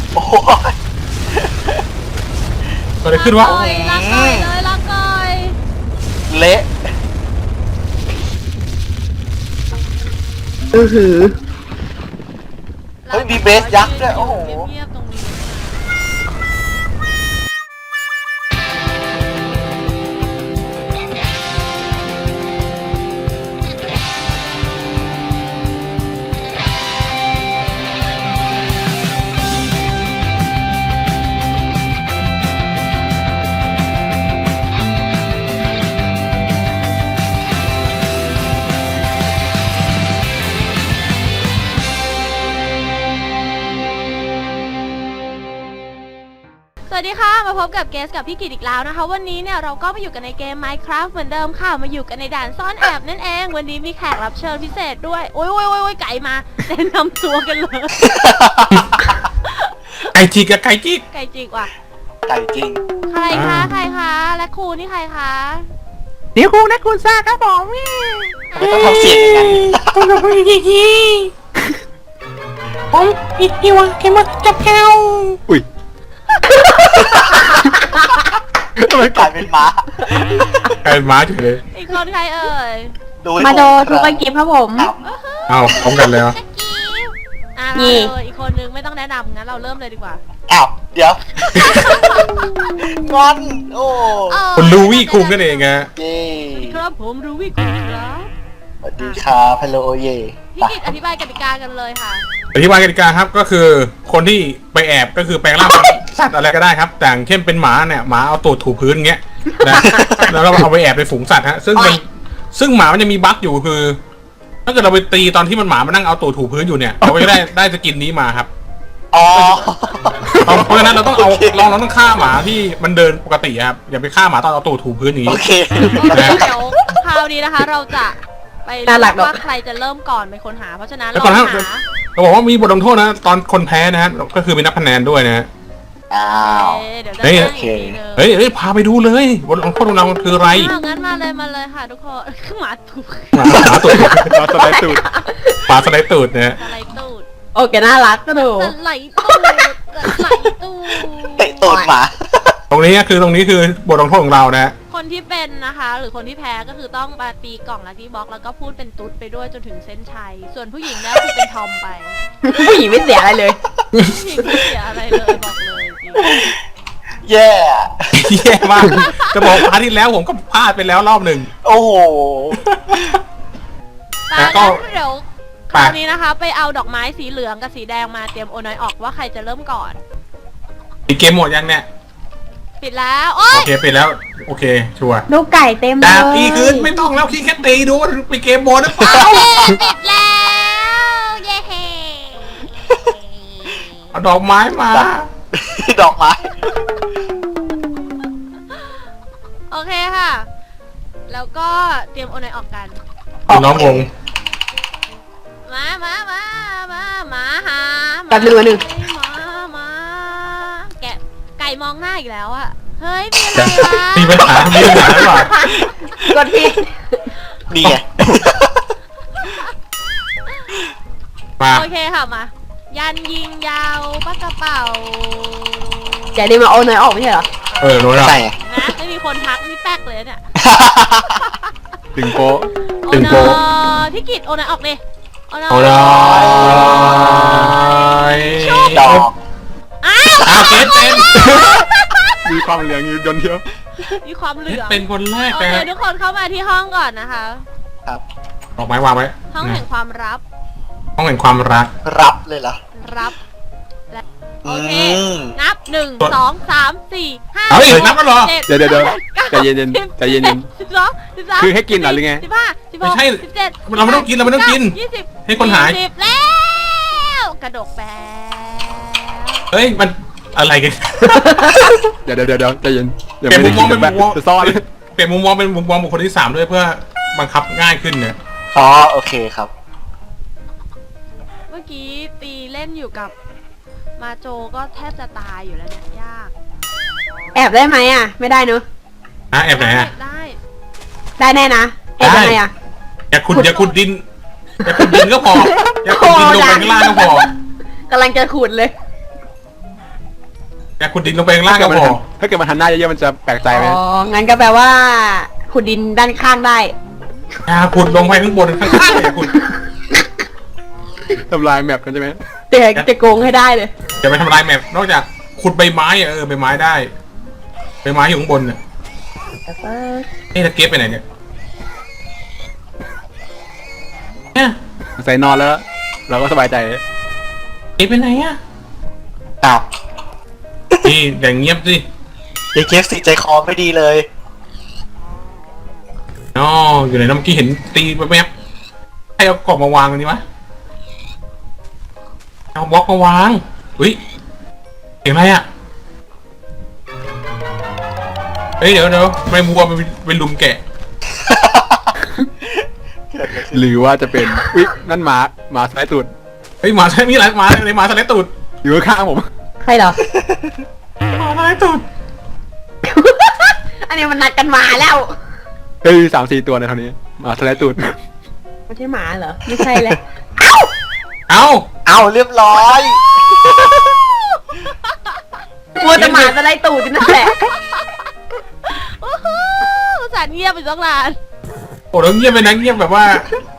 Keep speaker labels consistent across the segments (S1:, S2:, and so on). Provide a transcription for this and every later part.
S1: โอ้ย
S2: เกิดอะไรขึ้นวะ
S3: ลากก่อยเลยลากก่อย
S1: เละ
S4: อือหือ
S1: เฮ้ยมีเบสยักษ์ด้วยโอ้โห
S3: เงียบๆตรงนี้ สวัสดีค่ะมาพบกับเกสกับพี่กิตอีกแล้วนะคะวันนี้เนี่ยเราก็มาอยู่กันในเกม Minecraft เหมือนเดิมค่ะมาอยู่กันในด่านซ่อนแอบนั่นเองวันนี้มีแขกรับเชิญพิเศษด้วยโอ้ยไก่มาแนะนำตัวกันเลย
S2: ไก่จิกกับไก่จิก
S3: ไก่จิกว่ะ
S1: ไก่จริง
S3: ใครคะและครูนี่ใครคะ
S4: เดี๋ยวครูนะคุณซ่าครับผม
S1: ทำไมต้องทำเสียงอย่างนั้น
S4: ต้องกับพี่กี้ผมพี่วะแกมาจับแก้วอุ้ยทำไม
S1: กลายเป็นม้า
S2: ไก่ม้าเฉยเลย
S3: อีกคนใครเอ่ย
S4: มาโดทุกกิฟครับผม
S2: เอาพร้อมกันเลยเหรอ
S3: อ่ะ
S4: นี่
S3: เลยอีกคนนึงไม่ต้องแนะนำงั้นเราเริ่มเลยดีกว่า
S1: อ้าวเดี๋ยวงอนโอ้
S2: คุณลูวี่คุงกันเองฮะ
S1: เย่
S3: ครับผมรูวี่กุลครับ
S1: สวัสดีครับฮัลโหลเย่
S3: พี่กิตอธิบายกติกากันเลยค่ะ
S2: อธิบายกติกาครับก็คือคนที่ไปแอบก็คือแปลงร่างเป็นสัตว์อะไรก็ได้ครับแต่อย่างเช่นเป็นหมาเนี่ยหมาเอาตูดถูพื้นเงี้ยนะแล้วก็เอาไปแอบในฝูงสัตว์ฮะซึ่งหมามันจะมีบั๊กอยู่คือ ถ้าเกิดเราไปตีตอนที่มันหมามันนั่งเอาตูดถูพื้นอยู่เนี่ยเราก็จะได้สกินนี้มาครับ
S1: อ๋อ
S2: เพราะฉะนั้นเราต้องเอาเราต้องฆ่าหมาที่มันเดินปกติครับอย่าไปฆ่าหมาตอนเอาตูดถูพื้นอย่าง
S1: โอ
S2: นี้
S1: เค
S3: เดี๋ยวคราวนี้นะคะ เราจะไปเลือกว่าใครจะเริ่มก่อนเป็นคนหา เพราะฉะนั้นเราหา
S2: เราบอกว่ามีบทลงโทษนะตอนคนแพ้นะฮะก็คือมีนับคะแนนด้วยนะฮะ
S1: อ้าว
S3: เดี๋ยวจะแจ้งอีกทีนึง
S2: เฮ้ยพาไปดูเลยบทลงโทษของเราคืออะไร
S3: งั้นมาเลยค่ะทุกคนหมาถูก
S2: หมาตูดหมาสไลด์ตูดหมาสไลด์ตูดนะฮะ
S3: สไลด์ตูด
S4: โอเคน่ารักก็ดู
S3: สไลด์ตูดสไลด์ตูด
S1: เตะตูดหมา
S2: ตรงนี้คือบทลงโทษของเรานะฮะ
S3: คนที่เป็นนะคะ หรือคนที่แพ้ก็คือต้องมาตีกล่องลัคกี้บ็อกแล้วก็พูดเป็นตุ๊ดไปด้วยจนถึงเส้นชัยส่วนผู้หญิงเนี่ยคือเป็นทอมไป
S4: ผู้หญิงไม่เสียอะไรเลย
S3: ผู้หญิงไม่เสียอะไรเลยบอกเลยจริง
S1: แย่
S2: แย่มากจะบอกพาร์ทที่แล้วผมก็พลาดไปแล้วรอบหนึ่ง
S1: โอ้โห
S3: ตา
S2: ก็
S3: เดี๋ยวคราวนี้นะคะ ไปเอาดอกไม้สีเหลืองกับสีแดงมาเตรียมโอนอยออกว่าใครจะเริ่มก่อน
S2: มีเกมหมดยังเนี่ย
S3: ปิดแล้วโอ๊
S2: โอย เคปิดแล้วโอเคชัวร์
S4: ดูไก่เต็มเล
S2: แต่
S4: ย
S2: ตีคืนไม่ต้องแล้วพี่แค่ตีดูว่ามีเกมหมดหรือเปล่า
S3: ปิดแล้วเย้
S2: เอาดอกไม้มา
S1: ดอกไม้
S3: โอเคค่ะ แล้วก็เตรียมโอนอยออกกัน
S2: น้องงง
S3: มาหา
S4: แป๊บนึงวะหนึ่ง
S3: มาแกะไก่มองหน้าอีกแล้วอะเฮ้ยมีอะไรวะ
S2: มีปัญหาหรือเปล่าก
S4: ดผิด
S1: นี่ไง
S2: มา
S3: โอเคค่ะมา ยันยิงยาวปากกระเป๋า
S4: แกนี่มาโอนหน่อยออกไม่ใช่เหรอ
S2: รู้แล้ว
S1: ใช่ไง
S3: นะไม่มีคนทักนี่แป๊กเลยเนี่ย
S2: ตึงโป๊ะ
S3: โอ
S2: ตึง
S3: น
S2: โป๊ะ
S3: พี่กิตโอนอยออกดิโอนอย
S2: โอ้ย
S1: ดอก
S3: อ้าว
S2: อ้าวเกสเป็น
S5: มีความเหลืองอยู่ยนเดียว
S3: มีความเหลือง
S2: เป็นคนแรก
S3: โอ
S2: นะ
S3: เค
S2: ฮะ
S3: ทุกคนเข้ามาที่ห้องก่อนนะคะ
S1: ครับ
S2: ดอกไม้วางไว้
S3: ห้องแห่งความรับ
S2: ห้องแห่งความรัก
S1: รับเลยเหรอ
S3: รับและโอ
S1: อื
S3: เค
S1: ม
S3: นับ1 2 3 4 5
S2: เอาอีกนับแล้วเหรอ
S5: เดี๋ยวใจเย็นๆใจเย็น
S3: 12 13
S5: คือให้กินเหรอหรือไง
S3: 15
S2: ไม่ใช่
S3: 16 17
S2: เราไม่ต้องกินเราไม่ต้องกิน
S3: 20
S2: ให้คนหาย
S3: 40แล้วกระดกแป๊บ
S2: เฮ้ยมันอะไรกัน
S5: เดี๋ยวใจเย็นเดี๋ยว
S2: เปลี่ยน
S5: ไม่
S2: มุ
S5: ได้
S2: มม
S5: กิ
S2: อง
S5: น
S2: เป็นมุมมอง
S5: จะซ่อน
S2: เปลี่ยนมุมมองเป็นมุมมองบุคคลที่3ด้วยเพื่อบังคับง่ายขึ้นเนี่ย
S1: อ๋อโอเคครับ
S3: เมื่อกี้ตีเล่นอยู่กับมาโจก็แทบจะตายอยู่แล้วเนี่ยยาก
S4: แอบได้ไหมอ่ะ ไม่ได้เนอะ
S2: แอบไหนอะ
S3: ได้
S4: ได้แน่นะแอบยังไงอ่ะ
S2: อย่าขุดดินก็พออย่าขุดดินลงไปข้างล่างก็พอก
S4: ำลังจะขุดเลย
S2: แต่ขุดดินลงไปข้างล่างก็พอ
S5: ถ้าเกิดมันหันหน้าเยอะๆมันจะแปลกใจไหม
S4: อ๋อ งั้นก็แปลว่าขุดดินด้านข้างได้
S2: ขุดลงไปข้างบนข้างล่างเลยขุด
S5: ทำลายแมปกันใช่ไหม
S4: แต่จะโกงให้ได้เลย
S2: อย่าไปทำลายแมปนอกจากขุดใบไม้อะใบไม้ได้ใบไม้อยู่ข้างบนน่ะตะเกียบไปไหนเนี่ยเนี่ย
S5: ใส่นอนแล้ว เราก็สบายใจ
S2: เก็บไปไหนอ่ะ
S1: อ้าว
S2: นี่อย่างเงียบสิ
S1: เด็กเคฟสิใจคอไม่ดีเลย
S2: อ๋ออยู่ไหนนะเมื่อกี้เห็นตีแวบๆให้เอากล่องมาวางตรงนี้วะเอาบล็อกมาวางอุ้ยเสียงอะไรอ่ะเฮ้ยเดี๋ยวไม่มัวไปลุมแกะ
S5: หรือว่าจะเป็นอุ๊ยนั่นหมาสายตูด
S2: เฮ้ยหมาใช่มีอะไรหมาในหมาสไลด์ตูด
S5: อยู่ข้างๆผม
S4: ใครเหรอ
S2: หมาสไลด์ตูด
S4: อันนี้มันนัดกันมาแล้ว
S5: เฮ้ย3-4 ตัวในเท่านี้หมาสายตูด
S4: ไม่ใช่หมาเหรอ ไม่ใช่เลย
S2: เอ้า
S1: เอาเรียบร้อย
S4: มัวแต่หมาจะไล่ตูดอยู่นั่นแหละ
S3: โอ้โหสารเงียบไปตั้งนาน
S2: โอ้แล้วเงียบไปนะเงียบแบบว่า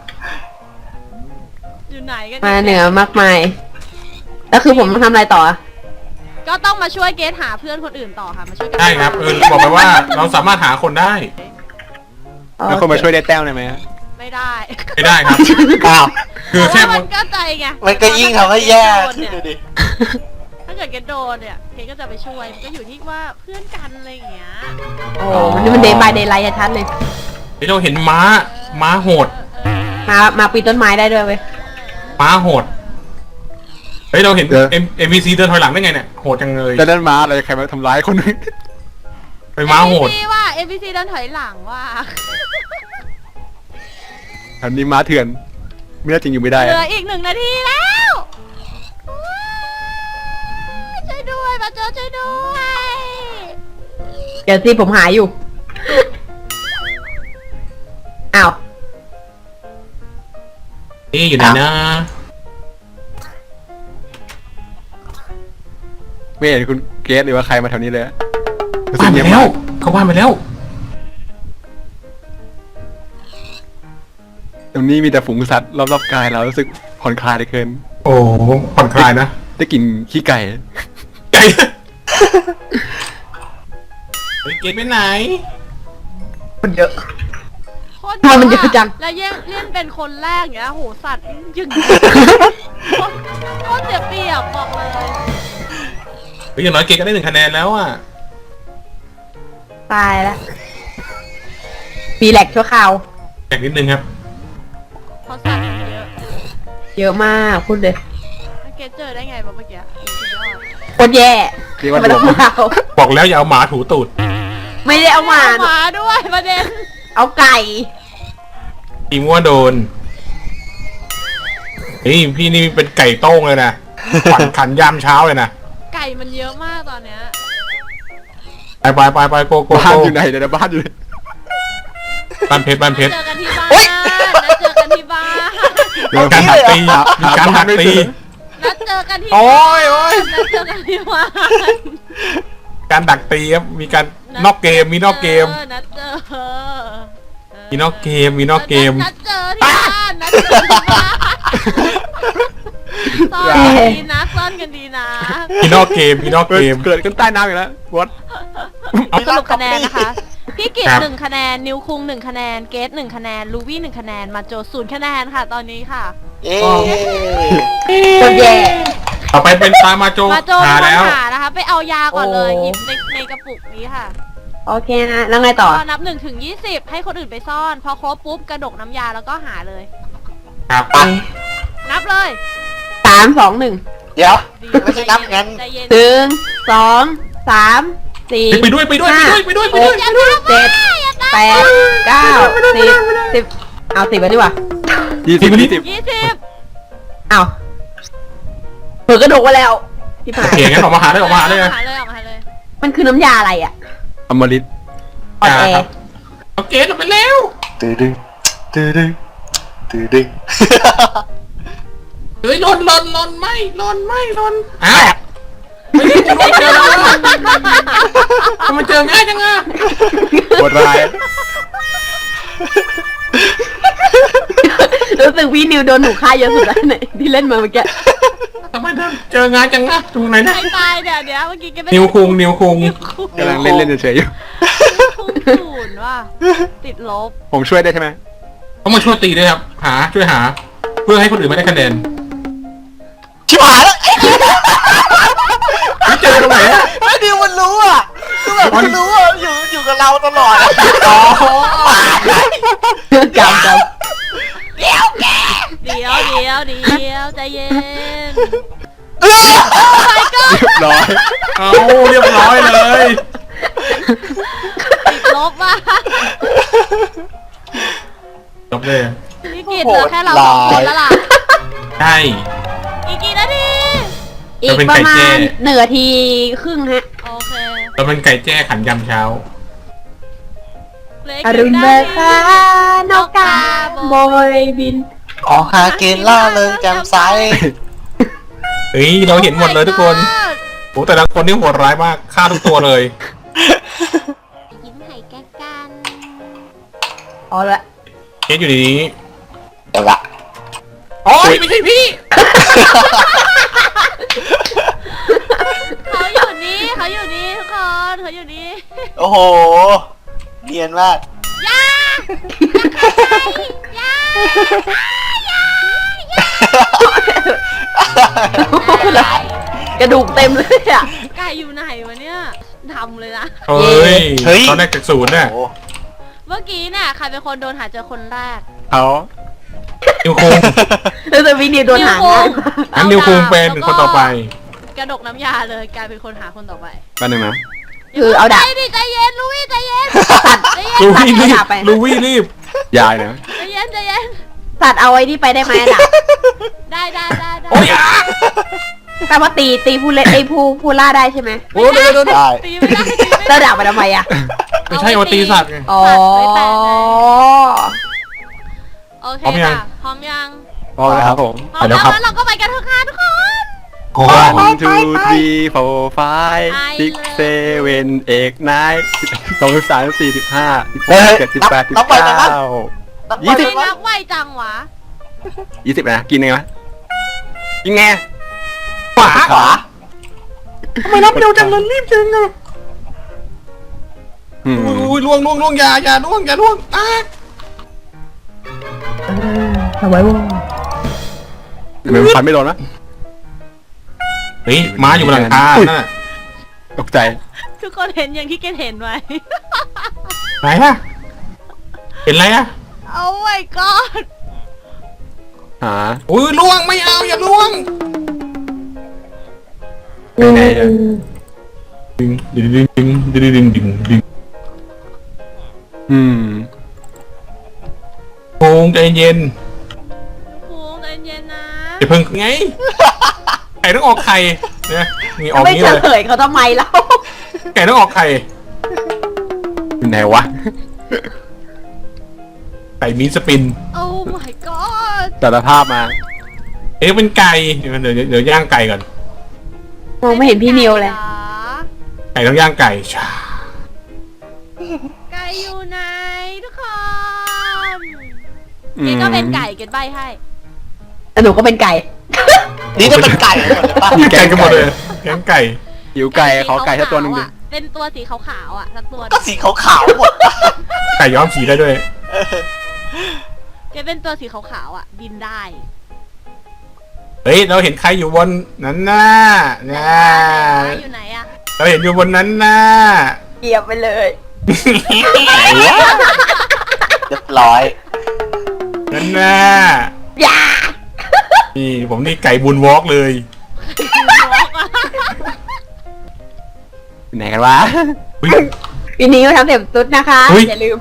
S3: อยู่ไหนกัน
S4: มาเหนือมากมาย แล้วคือผมต้องทำอะไรต่ออะ
S3: ก็ต้องมาช่วยเกสหาเพื่อนคนอื่นต่อค่ะ มาช่วยกัน
S2: ใช่ครับบอกไปว่าเราสามารถหาคนได้
S5: แล้วคนมาช่วยได้แต้มได้ไหม
S3: ไม่ได้
S2: ไม่ได้ครับ
S1: อ้าว
S2: คือแค่
S3: เพราะว่ามันก็ใจไง
S1: มันก็ยิ่งทำให้แย่ขึ้น
S3: เนี่ย
S1: ดูดิ
S3: ถ้าเกิดเกสโดนเนี่ยเกสก็จะไปช่วยมันก็อยู่ที่ว่าเพื่อนกันอะไรอย่างเงี้ย
S4: โอ้มันเดย์บายเดย์ไลท์ชัดเลย
S2: เราเห็นม้าโหด
S4: มาปีนต้นไม้ได้ด้วยเว้ย
S2: ม้าโหดเฮ้ยเราเห็นMVC เดินถอยหลังได้ไงเนี่ยโหดจังเลย
S5: แล้วนั่นหมาอะไรใครมาทำร้ายคนนึง
S2: เป็นม้าโหด
S3: NPC ว่า NPC เดินถอยหลังว่า
S5: แถวนี้ม้าเถื่อนไม่น่าจริงอยู่ไม่ได้
S3: เหลื
S5: อะ
S3: ออีก1 นาทีแล้วช่วยด้วยมาเจอช่วยด้วย
S4: เดี๋ยวสิผมหาอยู่ อ้าว
S2: นี่อยู่ไหนนะ
S5: ไม่เห็นคุณเกสหรือว่าใครมาแถวนี้เลยอะ
S2: บ้านไปแล้วเขาบ้านไปแล้ว
S5: ตรงนี้มีแต่ฝูงสัตว์รอบๆกายเรารู้สึกผ่อนคลายเหลือเกิน
S2: โอ้ผ่อนคลายนะ
S5: ได้กลิ่นขี้ไก่
S2: ไก่เฮ้ยเกตไปไหน
S4: มันเยอะ
S3: โคตร
S4: ทำไมมันเยอะจัง
S3: แล้วเล่นเป็นคนแรกอย่างเงี้ยโหสัตว์ยึงโคตรเสียเปรียบบอกเลย
S2: เฮ้ยอย่างน้อยเกตก็ได้1 คะแนนแล้วอ่ะ
S4: ตายแล้วปีแหลกชั่วคราว
S2: แข่งนิดนึงครับ
S3: เพราะสัตว์มันเยอะ
S4: เยอะมากพูดเลย
S3: แล้วเกสเจอได้ไงวะเมื่อกี้สุดยอด
S4: โคตรแย่
S5: เรียกว่า
S4: ไม่ต้อง
S5: รวม
S4: เอา
S2: บอกแล้วอย่าเอาหมาถูตูด
S4: ไม่ได้เอามา
S3: หมาด้วยประเด็น
S4: เอาไก่
S2: ทีมัวโดนนี่พี่นี่เป็นไก่โต้งเลยนะขวัญขันยามเช้าเลยนะ
S3: ไก่มันเยอะมากตอนเนี้ย
S2: ไปโก
S5: บ้านอยู่ไหนเดี๋ยวนะบ้านอยู่ไหน
S2: บ้านเพชร
S3: เจอกันที่บ้านนัดเจอกันที่บ้าน
S5: เดี๋ยว
S2: การหักตีมีการหักตี
S3: นัดเจอกันที่
S2: โอ้
S3: บ้าน
S2: ยโอ้ย
S3: นัดเจอกันที่บ้าน
S2: การดักตีครับมีการนอกเกมมีนอกเกม
S3: นัดเจอ
S2: มีนอกเกมมีนอกเกม
S3: นัดเจอที่บ้านนัดเจอที่บ้านซ่อนกันดีนะซ่อนกันดีนะ
S2: มีนอกเกมมีนอกเกม
S5: เกิดกันใต้น้ำอีกแล้ววอต
S3: สรุปคะแนนนะคะพี่กิต
S2: ครับ
S3: 1 คะแนนนิวคุง1 คะแนนเกต1 คะแนนลูวี่1 คะแนนมาโจ0 คะแนนค่ะตอนนี้ค่ะ
S1: เอ๊
S4: โคตรแย่
S2: ต่อไปเป็นตามาโจ
S3: มาโจ
S2: หา
S3: เป็น
S2: แล้ว
S3: คนหานะคะ ไปเอายาก่อนเลย
S4: โอ้
S3: หยิบในกระปุกนี้ค่ะ
S4: โอเคนะ แล้วไงต่อ
S3: ก็นับ1 ถึง 20 ให้คนอื่นไปซ่อน พอครบปุ๊บกระดกน้ำยาแล้วก็หาเลย
S2: ครับ
S3: นับเลย
S4: 3 2 1
S1: เดี๋ยว
S3: ดี
S1: ไม่ใช่นับงั้น
S3: ใจเย็น
S4: 1 2 3 4
S2: ไปด้วย
S4: 5 6 7 8 9 10 เอา10ไปดีกว่า
S5: 20
S3: 20
S4: เอาเผื่อกระดูกมาแล้วที่ผ่า
S2: โอน เคงั้นออกมาหาเลยออกมาหาเลย
S3: ออกมาเลย
S4: มันคือน้ำยาอะไรอ่ะ
S5: อมฤต
S4: อ่อนแอ
S2: ครับเอาเกตออกไปแล้ว
S1: ตื้อดึงตื้อดึงตื้อดึง
S2: เฮ้ยหล่นไม่อ้าวเฮ้ยหล่นเจอแล้วมาเจอง่ายจังอะ
S5: โหดร้าย
S4: รู้สึกพี่นิวโดนหนูฆ่าเยอะสุดแล้วไหนที่เล่นมาเมื่อกี้
S2: ทำไมเจอง่ายจังอะตรงไหนนะ
S3: ใครตายเนี่ยเดี๋ยวเมื่อกี้แกไม่
S2: นิวคุง
S5: กำลังเล่นเฉยๆอยู่
S3: คุงศูนย์ว่ะติดลบ
S5: ผมช่วยได้ใช่ไหม
S2: ต้องมาช่วยตีด้วยครับช่วยหา เพื่อให้คนอื่นไม่ได้คะแนน
S1: ชิบหายแล้ว
S2: ไม่เจอตรงไหนอะ
S1: ไอ้ดิวมันรู้อ่ะคือแบบมันรู้อ่ะอยู่กับเราตลอดอะ
S2: อ๋อ
S4: จำ
S3: เดี๋ยวใจเย็น
S5: เรียบร้อย
S2: เอาเรียบร้อยเลย
S3: ติดลบว่ะ
S2: จบเลย
S3: พี่กิตเหลือแค่เราสองคนแล้วล่ะ
S2: ใช่
S3: อีกกี่นาที
S4: อีกประมาณ1 นาทีครึ่งฮะ
S3: โอเค
S2: เราเป็นไก่แจ้ขันยำเช้า
S3: เหลื
S4: อรุณเบิกฟ้านกกาโบยบิน
S1: ออกหากินล่าเริงแจ่มใส
S2: เฮ้ยเราเห็นหมดเลยทุกคนโอ้แต่ละคนนี่โหดร้ายมากฆ่าทุกตัวเลย
S3: ยิ้มไห่แก้กัน
S4: เอาละ
S2: เกสอยู่ในนี้
S1: เดี๋ยวละ
S2: อ๋อไม่ใช่พี่
S3: เขาอยู่นี่ทุกคนเขาอยู่นี่
S1: โอ้โหเนียนมาก
S4: กระดูกเต็มเลยอ่ะ
S3: ไก่อยู่ไหนวะเนี่ยทำเลยนะ
S2: เฮ้ย
S1: เฮ้ย
S2: ตอนแรกจากศูนย์น่ะ
S1: โอ้
S3: เมื่อกี้เนี่ยใครเป็นคนโดนหาเจอคนแรก
S5: เขา
S2: นิวคุง
S4: รู้สึกพี่นิวโดนหางง่าย
S2: งั้นนิวคุงเป็นคนต่อไป
S3: กระดกน้ำยาเลยกลายเป็นคนหาคนต่อไป
S5: แป๊บนึงนะ
S4: คือเอาดาบ
S3: ใจเย็นลุยใจเย็น
S2: ลูวี่รีบ
S4: ตัดไป
S2: ลูวี่รีบ
S5: ยายนะ
S3: ใจเย็น
S4: ตัดเอาไว้นี่ไปได้ไหมอะดาบ
S3: ได้
S2: โอ้ยอ่ะ
S4: แปลว่าตีผู้เล่นผู้ล่าได้ใช่ไหม
S2: โอ้เดี๋ยว
S1: ได้
S3: ตีไม่ได้
S4: แล้วดาบไปทำไมอ่ะ
S2: ไม่ใช่เอาตีสัตว์ไง
S4: อ๋อ
S3: โอเค
S2: พร้อมยัง
S3: ค่ะพร้อมยัง
S5: พอแล้วครับผม
S3: พร้อมแล้วงั้นเราก็ไปกันเถอะค่ะทุกคน
S2: โอ้
S5: 1 2 3 4 5 6 7 8 9 23 45 16 17 18
S1: นับไปนะครับ
S5: 19
S3: ไม่นับไวจังวะ
S5: 20นะกินไงวะกินไง
S2: ขวา
S1: ขวา
S2: ทำไมรับเร็วจังเลยรีบจังอ่ะ
S5: อืม
S2: อุ้ยล่วงอย่าล่วงอ่ะ
S4: ทำไมวะ
S5: มันฟันไม่โดนนะ
S2: เฮ้ยม้าอยู่บนหลังคานั่นน่ะ
S5: ตกใจ
S3: ทุกคนเห็นอย่างที่เกณเห็นไหม
S2: ไหนอะเห็นอะไรอะ
S3: โอ้ my god
S5: หา
S2: อุ้ยล่วงไม่เอาอย่าล่วง
S5: ไปไหนอะ
S2: ดึง
S5: อืม
S2: โคงใจเย็น
S3: ภูมิใจเย็นนะ
S2: อย่าเพิ่งไงไก่ต้องออกไข่เนี่ยนี่ออก
S4: ไม่
S2: นี้
S4: เฉ
S2: เลย
S4: ลยเขาทำไมแล้ว
S2: ไก่ต้องออกไข่
S5: อยู่ไหนวะ
S2: ไก่มีสปิน
S3: โอ้ my god
S5: สารภาพมา
S2: เอ๊ะเป็นไก่เดี๋ยวย่างไก่ก่อน
S4: มองไม่เห็นพี่นิวเลย
S2: ไก่ต้องย่างไก่ชา
S3: ไก่อยู่ไหนทุกคน
S5: อืม
S3: เกดก็เป็นไก่เกดใบให้
S4: แต่หนูก็เป็นไก่
S1: นี่จะเป็นไก่หมดเลยป่ะ
S2: มีไก่กันหมดเลยย่างไก่
S5: หิวไก่ขอไก่สักตัวหนึ่งดิ
S3: เป็นตัวสีขาวๆอ่ะสักตัว
S1: ก็สีขาวๆหมด
S2: ไก่ย้อมสีได้ด้วย
S3: เกดเป็นตัวสีขาวๆอ่ะบินได้
S2: เฮ้ยเราเห็นใครอยู่บนนั้นน่ะนะ
S3: อยู่ไหนอ่ะ
S2: เราเห็นอยู่บนนั้นน่ะ
S4: เกียบไปเลย
S1: เรียบร้อย
S2: นั่นน่ะ
S4: อย่า
S2: นี่ผมนี่ไก่บุญวอล์กเลย
S5: อยู่ไหนกันวะ
S2: อุ๊ย
S4: ปีนี้ก็ทำเต็มตุ๊ดนะคะ
S2: อุ๊ย
S4: อย่าลืม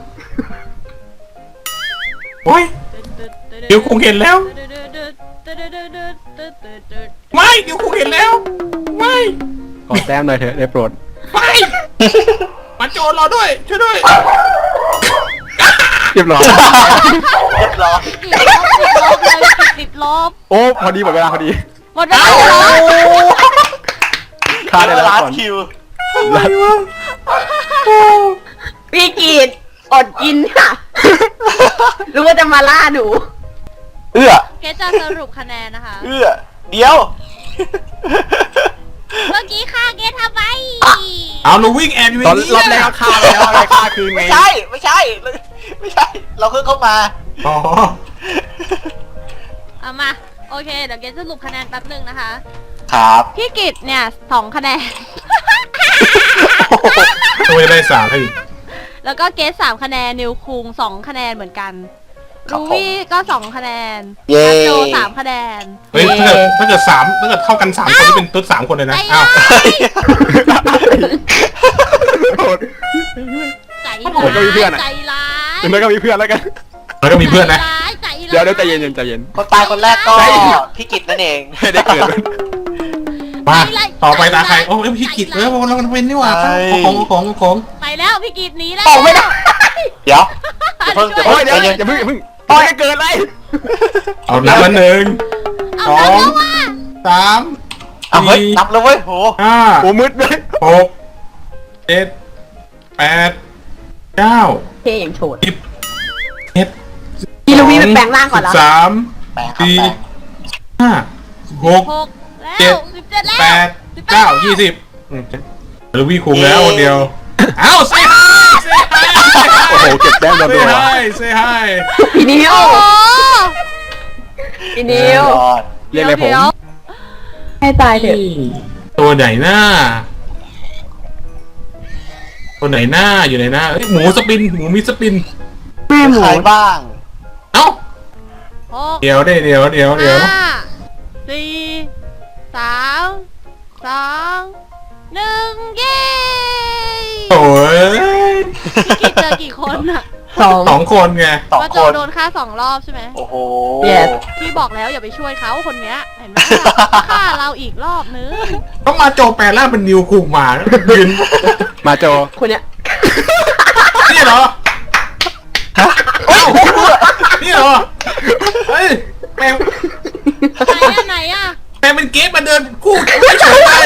S2: โอ้ยเดี๋ยวคงเห็นแล้ว ไม่เดี๋ยวคงเห็นแล้ว ไม่
S5: ขอแต้มหน่อยเถอะได้โปรด
S2: ไม่มาโจรเราด้วยช่วยด้วย
S5: เรียบร้อย
S1: เรียบร้อย
S3: ติดลบ
S5: โอ้พอดีหมดเวลาพอดี
S3: หมดเวลา
S5: ฆ่าได้แล้ว
S1: ลาส
S5: ก่อน
S1: คิว
S2: อะไรวะ
S4: พี่กีดอดกินค่ะ รู้ว่าจะมาล่าหนู
S1: เอื้อ
S3: เกสจะสรุปคะแนนนะคะ
S1: เอื้อเดี๋ยว
S3: เมื่อกี้ค่ะเกสทำไม
S2: เอาหนูวิ่งแอบอยู่
S5: ตอน
S2: นี่
S5: รอบแรกก็ฆ่าไปแล้วอะไรฆ่าคืนไง
S1: ไม่ใช่ ไม่ใช่ เราเพิ่งเข้ามา
S2: อ๋อ
S3: เอามาโอเคเดี๋ยวเกสสรุปคะแนนแป๊บหนึ่งนะคะ
S1: ครับ
S3: พี่กิตเนี่ย2 คะแนน
S2: ตัวได้สามให้อีก
S3: แล้วก็เกส3 คะแนนนิวคุง2 คะแนนเหมือนกัน
S1: ครับ
S3: รู
S1: ผม
S3: วี่ก็2 คะแนน
S1: เย้
S3: นัทโจ3 คะแนน
S2: เฮ้ยถ้าเกิดเท่ากัน3 คนนี่เป็นตุ๊ด3 คนเลยนะ
S3: ใจ
S2: อ้าว
S3: ใจ
S5: ผมก็มีเพื่อนอะ
S3: ใจร้าย
S5: แล้วก็มีเพื่อนแล้วกัน
S2: แล้วก็มีเพื่อนนะ
S3: ใจร้ายใจร้าย
S5: เดี๋ยวใจเย็นใจเย็น
S1: คนตายคนแรกก็พี่กิตนั่นเอง
S5: ไม่ได้เกิด
S2: มาต่อไปตาใครโอ้ยพี่กิตเราเป็นนี่หว่าของ
S3: ไปแล้วพี่กิตหนีแล้ว
S1: ออกไม่ได้ เดี๋ยวอย่าเพิ่ง
S5: โอ้ย
S1: ใจ
S5: เดี๋ยว
S1: เย็น
S5: อย่าเพิ่งโอ้ยเกิดอะไร
S2: เอานับมา1
S3: เอาแล้วแล้วว่ะ
S2: 3
S1: เอาเฮ้ยนับแล้วเว้ยโห
S2: 5
S5: โอ้มืดเลย
S2: 6 7 8 9
S4: เท่อย่างโฉด
S2: 10 11
S4: พี่ลูวี่ไปแปลงร่างก่อนแล้ว
S2: 13
S1: แปลงครับแปลง
S2: 4 5 6
S3: 6แล้ว17แล้ว
S2: 8 9 20ลูวี่คุมแล้วคนเดียวเอ้าเซฮาย
S5: โอ้โหเก็บแต้มโดน
S2: เซ
S5: ตัว
S2: ฮายเซฮาย
S4: พี่นิว
S3: โอ้โห
S4: พี่นิว
S1: ยอด
S5: เรียกอะไรผม
S3: เดี๋ยว
S4: ให้ตายเถอะ
S2: ตัวไหนหน้าตัวไหนหน้าอยู่ไหนหน้าหมูสปินหมูมีสปิน
S4: แม่หมู
S1: ใครบ้าง
S2: เอ้า
S3: 6
S2: เดี๋ยว4 3 2 1เย้ โอ้ย
S3: พี่กิตเจอกี่คนอะ
S2: 2 คนไง
S1: 2
S3: ว่า
S1: ค
S3: โจ
S1: น
S3: โดนฆ่า2 รอบใช่ไหม
S1: โอ้โห
S4: Yes
S3: พี่บอกแล้วอย่าไปช่วยเขาคนเนี้ยเห็นไหมฆ่าเราอีกรอบนึง
S2: ต้องมาโจแปลร่างเป็นนิวคุมมายืน
S5: มาโจ
S4: คนเนี้ย
S2: นี่เหรอเอ้านี่เหรอเฮ้ยแปลง
S3: ไหนอะ
S2: แปลงเป็นเกสมาเดินคู่ไม่เฉยเลย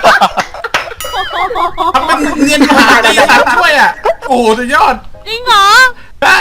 S2: ทำเป็นเนียนหาตีสัตว์ด้วยอ่ะโอ้โหสุดยอด
S3: จริงเหรอ
S2: ได้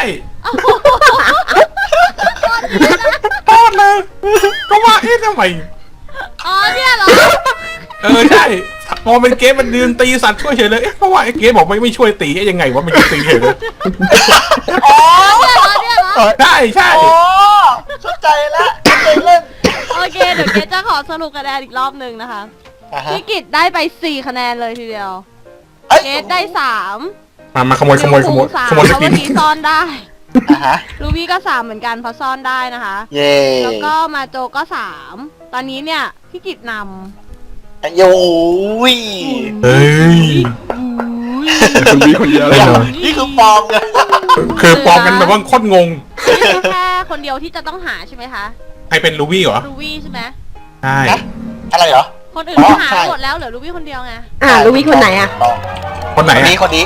S2: โทษเลยก็ว่าเอ๊ะทำไม
S3: อ๋อเนี่ยเหรอ
S2: ใช่พอเป็นเกสมันยืนตีสัตว์ช่วยเฉยเลยเอ๊ะก็ว่าไอ้เกสบอกไม่ช่วยตียังไงวะมันจะตีเฉยเลย
S1: อ๋อ
S3: เนี่ยเหรอ
S2: ได้ใช่
S1: โอ้เข้าใจแล้วเข้าใจเล่น
S3: โอเคเดี๋ยวเกจะขอสรุปคะแนนอีกรอบหนึ่งนะคะ พี่กิตได้ไป4 คะแนนเลยทีเดียว
S1: เอ้ย
S3: เกตได้3
S2: มาขโมย
S3: นิวคุง3
S2: ขโมย
S3: เพ
S2: ส
S3: ราะ
S2: ปิ
S3: เมื่
S2: น
S3: อกี้ซ่อนได้
S1: อ่ะฮะ
S3: ลูวี่ก็3เหมือนกันเพราะซ่อนได้นะคะ
S1: เย่
S3: แล้วก็มาโจก็3ตอนนี้เนี่ยพี่กิตน
S1: โอ้ย
S2: เฮ้ย
S5: คุณบีคนเดียวเลย
S1: นี่คือฟอร์มเลย
S2: คือปลอมกันแบบว่าโคตรงง
S3: ำแค่คนเดียวที่จะต้องหาใช่ไหมคะ
S2: ใครเป็นลูวี่เหรอ
S3: ลูวี่ใช่ไหม
S2: ใช่
S1: นะอะไรเหรอ
S3: คนอื่น
S1: อ๋อ
S3: หา
S1: ใช่
S3: หมดแล้วเหลือลูวี่คนเดียวไง
S4: ลูวี่คนไหนอ่ะ
S2: คนไหน
S1: คนนี้
S2: อ่ะ
S1: คนนี้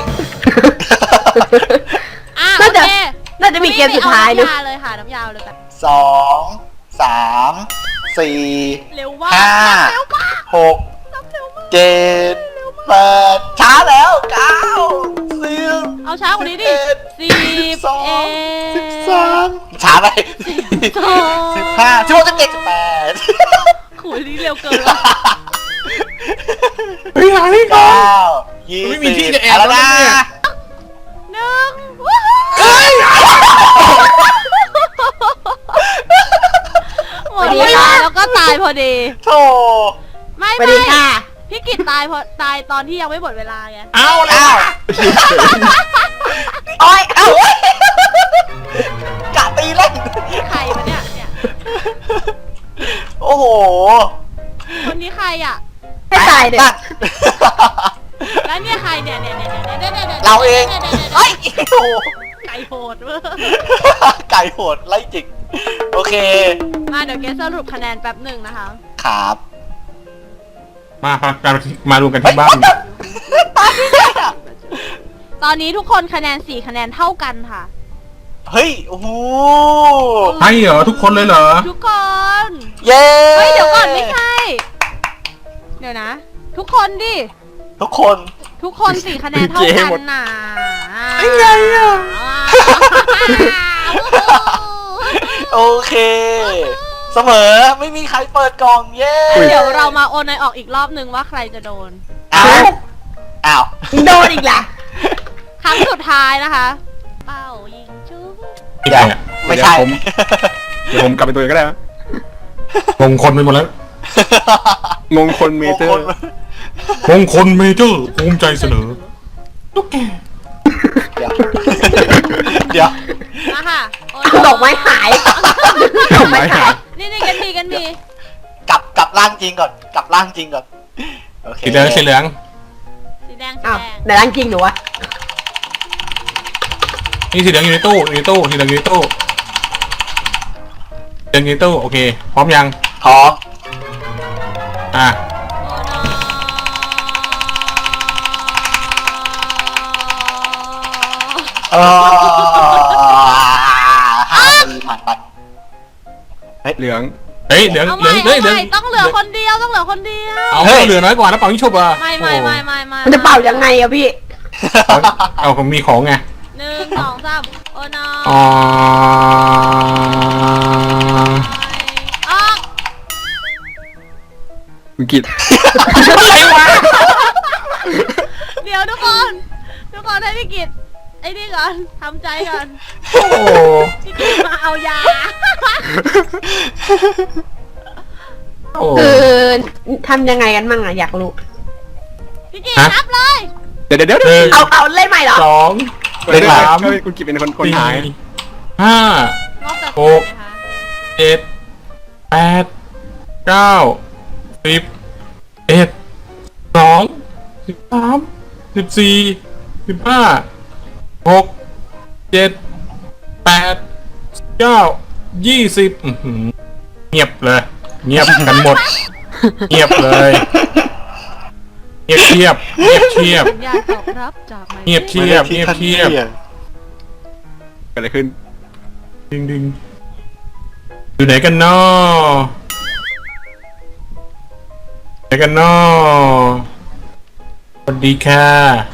S3: อ่ะ
S4: น่า
S3: โอ
S4: จะ
S3: เค
S4: น่าจะมีเกมสุดท้าย
S3: ลู
S4: นะ
S3: วี่ไปเอาน้ำยาเลยค่ะน้ำยาเลยแบบ
S1: 2 3 4
S3: เร็วมาก
S1: ห้า
S3: เร็วมาก
S1: 6
S3: เร็วมาก
S1: 7 8ช้าแล้ว9 10
S3: เอาช้ากว่านี้ดิ10
S1: 13ช้าไป15 16 17 18
S3: ขุยนี่เร็วเกินว่ะ
S2: เฮ้ยหาที่ก่อน
S1: 9
S2: ไม่มีที่จะแอบ
S1: แล้ว
S2: แล้ว
S1: นะ
S2: เนี่ย
S3: 1ว้าวหมดเวลาแล้วก็ตายพอดี
S1: โธ่
S3: ไม่
S4: สวัสดีค่ะ
S3: พี่กิตตายตอนที่ยังไม่หมดเวลาไง
S2: เอาแล้ว
S1: อ้าวโอ้ยเอ้าเว้ยกะตีเล่น
S3: ใครวะเนี่ย
S1: โอ้โห
S3: คนนี้ใครอ่ะ
S4: ให้ตายเด็
S1: นั่น
S3: แล้วเนี่ยใครเนี่ย
S1: เราเองเฮ้ยโอ้โห
S3: ไก่โหดเว้ย
S1: ไก่โหดไล่จิก โอเค
S3: มาเดี๋ยวเกสสรุปคะแนนแป๊บหนึ่งนะคะ
S1: ครับ
S2: มารวมกันที่บ้าน
S3: ตอนนี้ทุกคนคะแนน4 คะแนนเท่ากันค่ะ
S1: เฮ้ย โอ้โห
S2: ให้เหรอทุกคนเลยเหรอ
S3: ทุกคน
S1: เย้
S3: เฮ้ยเดี๋ยวก่อนไม่ใช่ เดี๋ยวนะ ทุกคนดิ
S1: ทุกคน
S3: ททุกคน4คะแนนเท่ากันน่ะ
S2: ยังไงอ่ะ
S1: โอเค เสมอไม่มีใครเปิดกล่องเย้
S3: เดี๋ยวเรามาโอนอยออกอีกรอบนึงว่าใครจะโดน
S1: อ้าว
S4: โดนอีกล่ะ
S3: ครั้งสุดท้ายนะคะ เป้ายิงจุ๊บ
S2: อีกไงอ่ะ
S1: ไม่ใช่
S5: เดี๋ยวผมกลับไปตัวเองก็ได้นะ
S2: มงคลไปหมดแล้ว
S5: งงคนเมเจอร์
S2: มงคลเมเจอร์ภูมิใจเสนอตุ๊กแก
S1: เดี๋ยว เดี๋ยว
S3: มาค่ะโอน
S4: ดอกไม้หาย ดอกไม้หาย
S3: นี่กันมี
S1: กลับร่างจริงก่อน กลับร่างจริงก่อน โอเค
S2: สีเหลืองสีเหลือง
S3: สีแดง
S4: อ้าวไหนร่างจริงหนูวะ
S2: นี่สีเหลืองอยู่ในตู้สีเหลืองอยู่ในตู้สีเหลืองอยู่ในตู้โอเคพร้อมยัง
S1: พร้อม
S2: อ่ะ
S1: เออ5 ปีผ่านไป
S5: เหลือง
S2: เฮ้ยเหลือง
S3: เอา
S2: เหลื
S3: ใหม่
S2: องเฮ้ยเหลือง
S3: ต้องเหลือคนเดียวต้องเหลือคนเดียว
S2: เอาเหลือน้อยกว่าแล้วเป่ายิงฉุบอ่ะ
S3: ไม่
S4: มันจะเป่ายังไงอะพี่
S2: เอาผมมีของไง
S3: 1 2 3โอนอ
S2: อ๋อ
S3: ออก
S5: คุณกิต
S3: เดี๋ยวทุกคนให้พี่กิตไอ้นี่ก่อนทำใจก่อน
S2: โอ้โห
S3: พี่กิตมาเอายา
S2: โอ้
S4: คือทำยังไงกันมั่งอะอยากรู้
S3: พี่กิตนับเลย
S5: เดี๋ยว
S2: หนึ่ง
S4: เอาเล่นใหม่เหรอ
S2: สอง
S5: เล่น
S2: สาม
S5: คุณกิตเป็นคนหาย
S2: สี่ห้าง
S3: อบแต่
S2: หก
S3: นะคะ
S2: เจ็ดแปดเก้าสิบเอ็ด12 13 14 15 6 7 8 9 20เงียบเลย เงียบกันหมด เงียบเลย เงียบเทียบเงียบเทียบ
S3: สัญญาณตอบรับจากไมค์
S2: เงียบเทียบเงียบเทียบ
S5: เกิดอะไรขึ้น
S2: ดึงดึงอยู่ไหนกันน้อไหนกันน้อสวัสดีค่ะ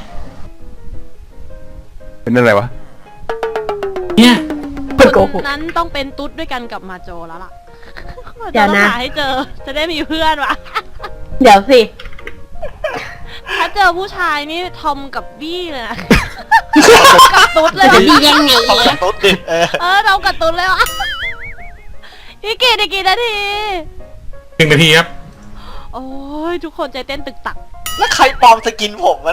S5: เป็นอะไรวะ
S2: เนี่ย
S4: คนโกหก
S3: นั้นต้องเป็นตุ๊ดด้วยกันกับมาโจแล้วล่ะ
S4: เดี๋ยวนะ
S3: จะต้องหาให้เจอ จะได้มีเพื่อนวะ
S4: เดี๋ยวสิ
S3: ถ้าเจอผู้ชายนี่ทอมกับบี้เลยนะ กับตุ๊ดเลย
S4: จะ
S3: วะ
S4: ดียังไง
S1: เขาเป็นตุ๊ดดิ
S3: เรากับตุ๊ดเลยวะพี่กีได้กี่นาที
S2: 1 นาทีครับ
S3: โอ้ยทุกคนใจเต้นตึกตัก
S1: แล้วใครปลอมสกินผมมัน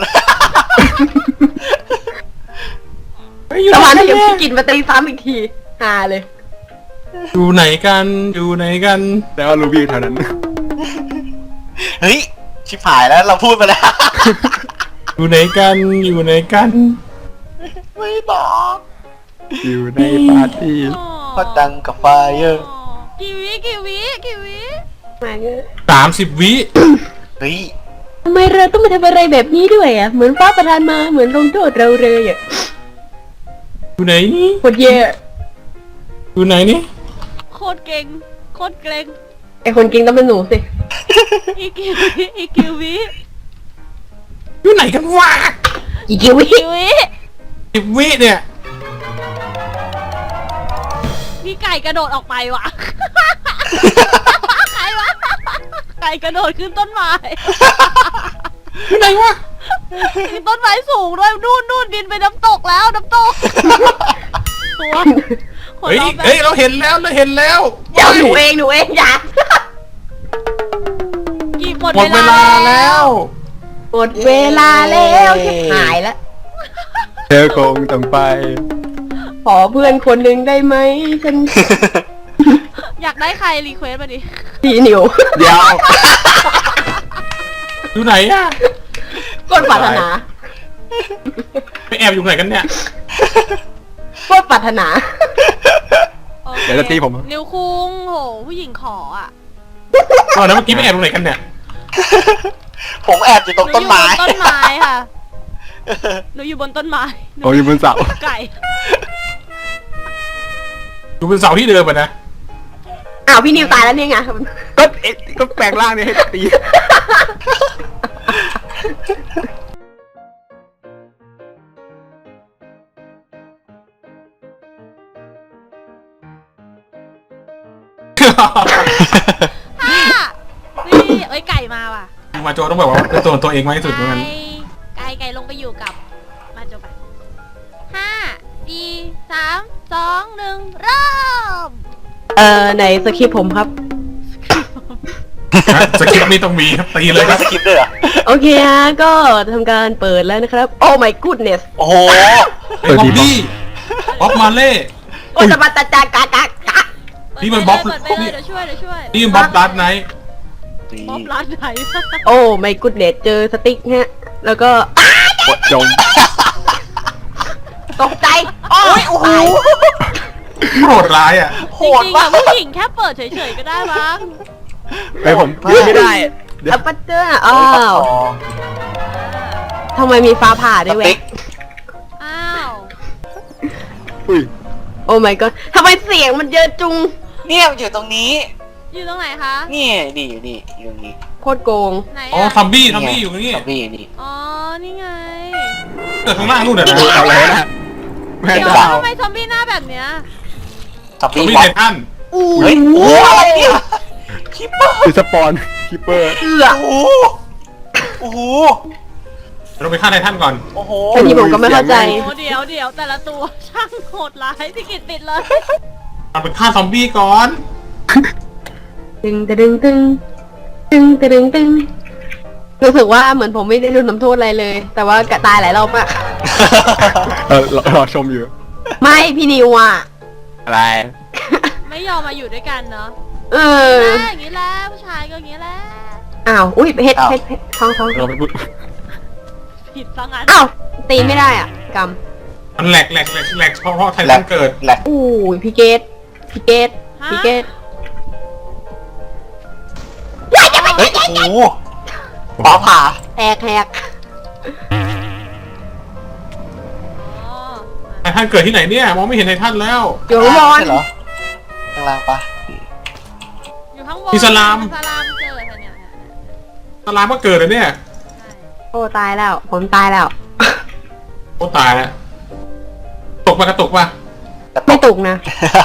S4: ประมาณที่ยังพี่กินมาตีซ้ำอีกทีฮาเลย
S2: อยู่ไหนกัน อยู่ไหนกัน
S5: แล้วรูบี้แถวนั้น
S1: เฮ้ย ชิบหายแล้วเราพูดไปแล้ว
S2: อยู่ไหนกัน อยู่ไหนกัน
S1: ไม่บอก
S5: อยู่ในปาร์ตี้
S1: ก็ดังกับไฟเออร์
S3: กี่วิ
S4: มาเงย
S2: 30 วิ
S1: เฮ้ย
S4: ทำไมเราต้องมาทำอะไรแบบนี้ด้วยอะเหมือนฟ้าประทานมาเหมือนลงโทษเราเลยอะ
S2: อยู่ไหนนี่
S4: โคตรเย่
S2: อยู่ไหนนี่
S3: โคตรเก่งโคตรเกรง
S4: ไอคนกินต้องเป็นหนูสิ
S3: อีกกี่วิ
S2: อยู่ไหนกันวะ
S4: อีกิวิ
S3: กี่วิ
S2: 10 วิเนี่ย
S3: พี่ไก่กระโดดออกไปว่ะ ใครวะไก่กระโดดขึ้นต้นไม้
S2: อยู่ไหนวะ
S3: มีต้นไม้สูงด้วยนู่นบินไปน้ำตกแล้วน้ำตกตัวคน
S2: เฮ้ย
S3: เราแบบ
S2: เฮ้ย เราเห็นแล้ว เราเห็นแล้ว
S4: เดี๋ยวหนูเองอย่า
S3: กี่หมด
S2: หมดเวลาแล้ว
S4: หมดเวลาแล้วชิบหายแล้ว
S5: เธอคงต้องไป
S4: ขอเพื่อนคนหนึ่งได้ไหมฉัน
S3: อยากได้ใครรีเควสมาดิ
S4: ทีหนิว
S5: เดี๋ยว
S2: อยู่ไหนอะ
S4: ก้นปรารถนา
S2: ไปแอบอยู่ไหนกันเนี่ย
S4: ก้นปรารถนา
S3: โอเค
S5: เดี๋ยวจะตีผม
S3: นิวคุงโหผู้หญิงขออ่ะ
S2: ตอนนั้นเมื่อกี้ไปแอบตรงไหนกันเนี่ย
S1: ผมแอบอยู่ตรงต้นไม้
S3: หอยู่บนต้นไม้ค่ะหนูอยู่บนต้นไม้หนู
S5: โอ้ยบนเสา
S3: ไก่
S2: อยู่บนเสาที่เดิมอะนะ
S4: อ้าวพี่นิวตายแล้วเนี่ยไง
S5: ก็แปลงร่างเนี่ยให้ตี
S3: นี่เอ้ยไก่มาว่ะ
S2: มาโจต้องแบบว่าเป็นตัวเองมากที่สุดเหมือนกัน
S3: ไก่ลงไปอยู่กับมาโจไปห้าสี่สามสองหนึ่งเริ่ม
S4: ไหนสคริปต์ผมครับ
S2: สคริปต์นี่ต้องมีครับตีเล
S1: เลย ย
S2: ค
S1: ก็
S2: รับ
S1: สกิปด้วยเหรอ
S4: โอเคฮะก็ทำการเปิดแล้วนะครับ โอ้ my goodness
S1: โอ้โห
S2: ไอ้บ๊อบบี้บ๊อบมาเล่
S4: โอ้ยสบัดตาจากากากะ
S2: นี่มันบ๊อบ
S3: เปิดไปเลยเดี๋ยวช่วย
S2: นี่บ๊อบลัดไนท์
S3: บ๊อบร้านไหน
S4: โอ้ my goodness เจอสติ๊กฮะ แล้วก็
S5: กดจม
S4: ตกใจโอ้ยโอ้โห
S2: โหดร้ายอ่ะ
S1: โห
S3: จริ
S1: ด
S3: งๆ
S1: มา
S3: อะ
S1: ก
S3: ผู้หญิงแค่เปิดเฉยๆก็ได้มั้ง
S5: ไปผมยืนไม่ได้เดี๋ยว
S4: อัปปะเจออ้าวทำไมมีฟ้าผ่าด้วยเว้
S1: ติ๊
S4: ย
S1: ก
S3: อ้าว
S5: อุ้ย
S4: โอ้ my god ทำไมเสียงมันเยอะจุง
S1: เนี่ยมันอยู่ตรงนี้
S3: อยู่ตรงไหนคะ
S1: นี่นี่อยู่นี่อยู่ตรงนี้
S4: โคตรโกง
S3: ไหน
S2: อ๋อ
S3: อะ
S2: ทอมบี้อยู่ตรงนี้
S1: ซอมบี้นี่
S3: อ๋อนี่ไง
S2: เกิดข้างล่างนู่นน่ะนะ
S5: เอาเลยนะแม่
S3: เดี๋ยว
S5: ดาว
S3: ทำไมซอมบี้หน้าแบบเนี้ย
S1: ซอม
S2: ทอม
S1: บี้
S2: บี้
S1: บอ
S2: ไท
S1: ส
S2: ทัน
S1: เฮ้ยโอ้โหอะไรเนี่ยคิปเปอร์
S5: คือสปอนคิปเปอร์
S4: เอือ
S1: โอ้โหโอ้โห
S2: เราไปฆ่าไททันก่อน
S1: โอ้โห
S4: อันนี้ผมก็ไม่เข้าใจ
S3: โอ้เดี๋ยวแต่ละตัวช่างโหดร้ายพี่กิตปิดเลย
S2: เราไปฆ่าซอมบี้ก่อน
S4: ตึงตึงตึงตึงตึงตึงรู้สึกว่าเหมือนผมไม่ได้โดนน้ำโทษอะไรเลย แต่ว่ากะตายหลายรอบมาก
S5: รอชมอยู่
S4: ไม่พี่นิวอ่ะ
S5: อะไร
S3: ไม่ยอมมาอยู่ด้วยกันเนาะ
S4: เออ
S3: อย่างนี้แหละผู้ชายก็อย่างนี้แหละ
S4: อ้าว อุ้ยเพชรท้อง
S5: เราไปพูด
S3: ผิดซะงั้น
S4: อ้าว ตีไม่ได้อ่ะก
S2: มันแหลกเพราะไททันเกิด
S1: แหลก
S4: ำอู้ยพี่เกตพี่เกตพี่เกต
S1: เฮ้ยโอ้โหฟ้าผ่า
S4: แหก
S3: อ๋อ
S2: ไททันเกิดที่ไหนเนี่ยมองไม่เห็นไททันแล้ว
S4: อยู่ข้างบน
S1: ใช่เหรอข้างล่างปะ
S3: อยู่ข้างบน
S2: อิสลาม
S3: อิสลามเจอค่ะเนี่ย
S2: ตารางก็เกิดเลยเนี่ย
S3: ใช่
S4: โอ้ตายแล้ว ผมตายแล้ว
S2: โอ้ตายแล้วตกปะกระตกปะ
S4: ไม่ตุกนะ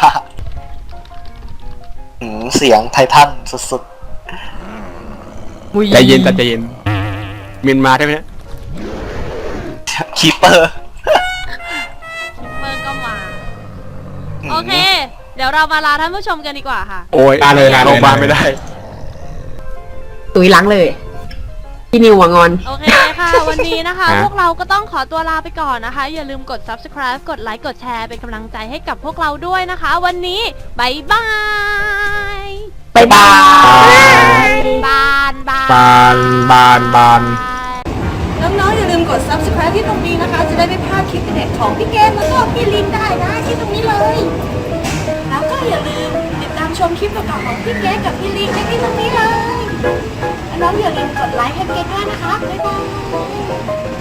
S1: เสียงไททันสุด
S5: ใจเย็นแต่ใจเย็นเมียนมาได้ไหมเนี่ย
S1: ๆคีเปอร์
S3: เปิงก็มา โอเค เดี๋ยวเรามาลาท่านผู้ชมกันดีกว่าค่ะ
S5: โอ้ย
S2: ลาเลย
S5: โรงพยาบาลไม่ได้
S4: ตุยหล้างเลย พี่นิวอะงอน
S3: โอเคค่ะ วันนี้นะคะ
S5: ฮะ
S3: พวกเราก็ต้องขอตัวลาไปก่อนนะคะ อย่าลืมกด subscribe กดไลค์กดแชร์เป็นกำลังใจให้กับพวกเราด้วยนะคะ วันนี้บายบาย
S4: บ๊ายบาย
S3: บานบาน
S2: บาน
S3: น้องๆอย่าลืมกด subscribe ที่ตรงนี้นะคะ จะได้ไม่พลาดคลิปเด็ดของพี่เกมแล้วก็พี่ลินได้นะที่ตรงนี้เลย แล้วก็อย่าลืมติดตามชมคลิปเก่าๆของพี่เกมกับพี่ลินได้ที่ตรงนี้เลย น้องๆอย่าลืมกดไลค์ให้เกมด้วยนะคะ บ๊ายบาย